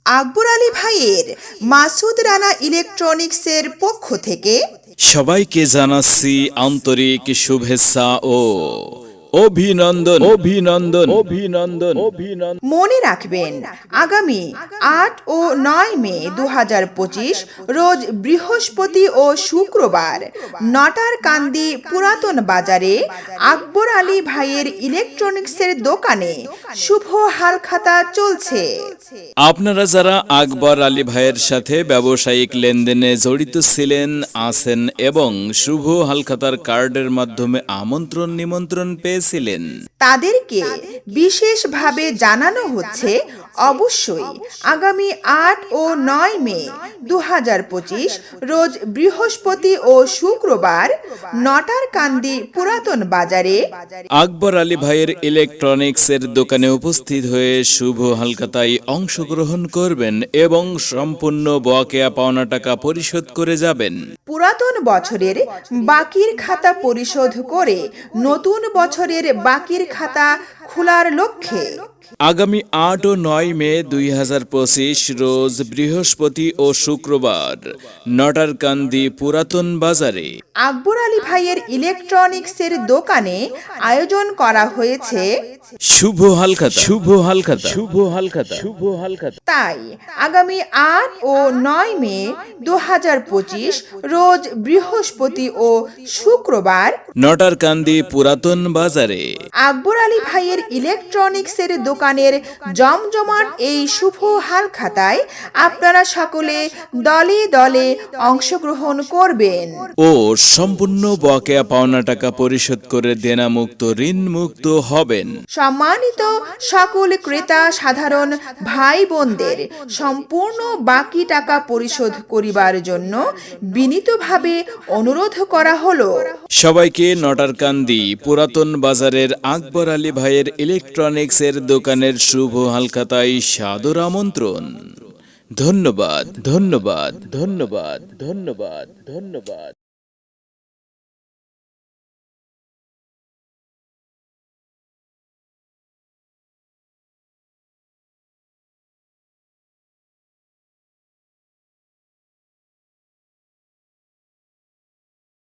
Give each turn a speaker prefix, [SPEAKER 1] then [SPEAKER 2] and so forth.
[SPEAKER 1] আকবর আলী ভাইয়ের মাসুদ রানা ইলেকট্রনিক্সের পক্ষ থেকে
[SPEAKER 2] সবাইকে জানাচ্ছি আন্তরিক শুভেচ্ছা ও অভিনন্দন অভিনন্দন অভিনন্দন অভিনন্দন।
[SPEAKER 1] মনে রাখবেন, আগামী ৮ ও ৯ মে ২০২৫ রোজ বৃহস্পতি ও শুক্রবার নটারকান্দি পুরাতন বাজারে আকবর আলী ভাইয়ের ইলেকট্রনিক্সের দোকানে শুভ হালখাতা চলছে।
[SPEAKER 2] আপনারা যারা আকবর আলী ভাইয়ের সাথে ব্যবসায়িক লেনদেনে জড়িত ছিলেন, আছেন এবং শুভ হালখাতার কার্ডের মাধ্যমে আমন্ত্রণ নিমন্ত্রণ পেয়েছিলেন,
[SPEAKER 1] তাদেরকে বিশেষভাবে জানানো হচ্ছে অবশ্যই আগামী ৮ ও ৯ মে ২০২৫ রোজ বৃহস্পতি ও শুক্রবার নটারকান্দি পুরাতন বাজারে
[SPEAKER 2] আকবর আলী ভাইয়ের ইলেকট্রনিক্সের দোকানে উপস্থিত হয়ে শুভ হালখাতায় অংশগ্রহণ করবেন এবং সম্পূর্ণ বকেয়া পাওনা টাকা পরিশোধ করে যাবেন।
[SPEAKER 1] পুরাতন বছরের বাকির খাতা পরিশোধ করে নতুন বছরের বাকির খাতা খোলার লক্ষ্যে
[SPEAKER 2] আগামী ৮ ও ৯ মে ২০২৫ রোজ বৃহস্পতি ও শুক্রবার নটারকান্দি পুরাতন বাজারে
[SPEAKER 1] আকবর আলী ভাইয়ের ইলেকট্রনিক্সের দোকানে আয়োজন করা হয়েছে
[SPEAKER 2] শুভ হালখাতা শুভ হালখাতা শুভ হালখাতা শুভ হালখাতা।
[SPEAKER 1] তাই আগামী ৮ ও ৯ মে ২০২৫ রোজ বৃহস্পতি ও শুক্রবার
[SPEAKER 2] নটারকান্দি পুরাতন বাজারে
[SPEAKER 1] আকবর আলী ভাইয়ের ইলেকট্রনিক্সের দোকানের জমজমাট এই শুভ হালখাতায় আপনারা সকলে দলে দলে অংশগ্রহণ করবেন
[SPEAKER 2] ও সম্পূর্ণ বকেয়া পাওনা টাকা পরিশোধ করে দেনামুক্ত ঋণ মুক্ত হবেন।
[SPEAKER 1] সম্মানিত সকল ক্রেতা সাধারণ ভাই বোনদের সম্পূর্ণ বাকি টাকা পরিশোধ করিবার জন্য বিনীতভাবে অনুরোধ করা হলো।
[SPEAKER 2] সবাইকে নটারকান্দি পুরাতন বাজারের আকবর আলী ভাইয়ের ইলেকট্রনিক্সের দোকানের শুভ হালখাতায় সাদর আমন্ত্রণ। ধন্যবাদ ধন্যবাদ ধন্যবাদ ধন্যবাদ ধন্যবাদ।